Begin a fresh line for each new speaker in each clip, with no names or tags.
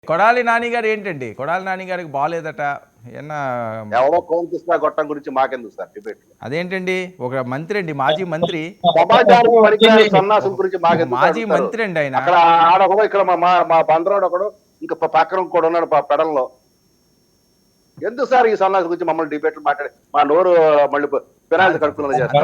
కొడాలి నాని గారు ఏంటండి? కొడాలి నాని గారికి బాలేదట.
ఎవరో కోంకిస్తా గొట్టం గురించి మాకెందుకు సార్ డిబేట్?
అదేంటండి, ఒక మంత్రి అండి, మాజీ మంత్రి.
సమాజానికి వనికిరాని సన్నాసుల గురించి మాకెందుకు?
మాజీ మంత్రి అండి ఆయన.
అక్కడ ఆడొకడు, ఇక్కడ మా బందరోడు ఒకడు, ఇంకా పక్కన కూడా ఉన్నాడు పెడల్లో. ఎందుకు సార్ ఈ సన్నాసుల గురించి మమ్మల్ని డిబేట్లు మాట్లాడి మా నోరు మళ్ళీ పినాయిలు కడుపులో చేస్తారు?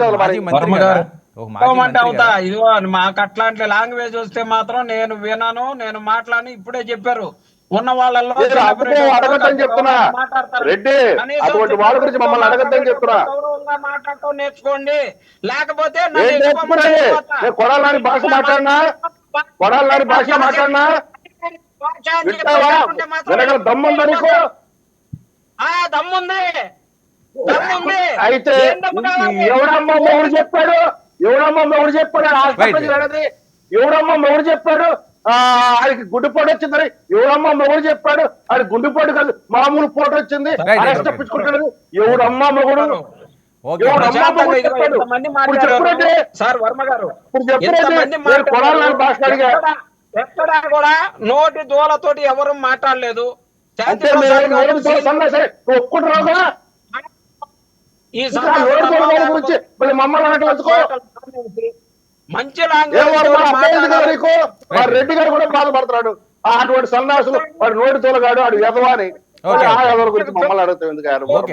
మాకు అట్లాంటి లాంగ్వేజ్ వస్తే మాత్రం నేను వినను, నేను మాట్లాడను. ఇప్పుడే చెప్పారు ఉన్న వాళ్ళలో
అడగద్దని చెప్తున్నా రెడ్డి, అటువంటి వాళ్ళ గురించి మమ్మల్ని అడగద్దని చెప్తున్నా.
మాట్లాడటం నేర్చుకోండి, లేకపోతే
కొడాలని భాష మాట్లాడినా, కొడాలని భాష మాట్లాడినా దమ్ముందా నీకు?
దమ్ముంది.
అయితే ఎవడమ్మ మొగుడు చెప్పాడు? ఎవడమ్మ మొగుడు చెప్పాడు? ఎవడమ్మ మొగుడు చెప్పాడు ఆయనకి గుండెపోటు వచ్చిందని? ఎవడమ్మ మొగుడు చెప్పాడు? ఆయన గుండెపోటు కాదు, మామూలు పోటు వచ్చింది, అరెస్ట్ తప్పించుకుంటాడు. ఎవడమ్మ మొగుడు?
ఎక్కడా కూడా నోటి దూలతోటి ఎవరు మాట్లాడలేదు.
ఒప్పుకుంటున్నావుగా
ఈ మంచి
రెడ్డి గారు కూడా బాధపడుతున్నాడు. అటువంటి సన్నాసులు వాడు నోటి తోలగాడు, వాడు ఎదవాని గురించి మమ్మల్ని అడుగుతాం ఎందుకు?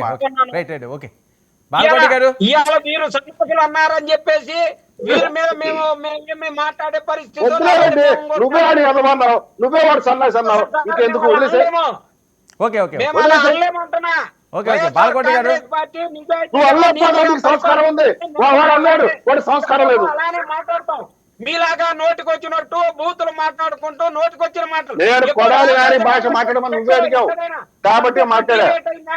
ఇవాళ మీరు సన్నాసులు అన్నారని చెప్పేసి వీరి మీద మేము మాట్లాడే పరిస్థితి.
నువ్వే వాడు ఎదవన్నావు, నువ్వే వాడు సన్నాసి అన్నావు, ఇంకెందుకు వదిలేసే? సంస్కారం ఉంది, వాడు అన్నాడు, వాడు సంస్కారం లేదు.
మాట్లాడతాం మీలాగా నోటికొచ్చినట్టు బూతులు మాట్లాడుకుంటూ నోటికొచ్చిన మాటలు.
నేను కొడాలి గారి భాష మాట్లాడమని నువ్వే అడిగావు కాబట్టి మాట్లాడా.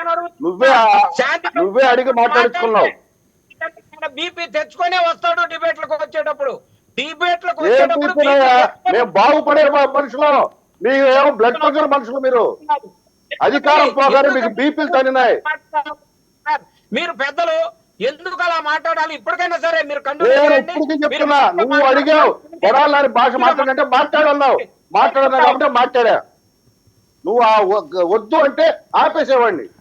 నువ్వే అడిగి మాట్లాడుకున్నావు.
బీపీ తెచ్చుకునే వస్తాడు డిబేట్లకు వచ్చేటప్పుడు. డిబేట్లకు
మేము బాగుపడే మనుషులు, మీకు ఏమో బ్లడ్ ప్రెషర్ మనుషులు. మీరు అధికారం పోగానే మీకు బీపీలు తగినాయి.
మీరు పెద్దలు ఎందుకు అలా మాట్లాడాలి? ఇప్పటికైనా సరే మీరు
చెప్తున్నా, నువ్వు అడిగావు కొడాలి భాష మాట్లాడంటే మాట్లాడన్నావు, మాట్లాడన్నా కాబట్టి మాట్లాడా. నువ్వు వద్దు అంటే ఆపేసేవాడిని.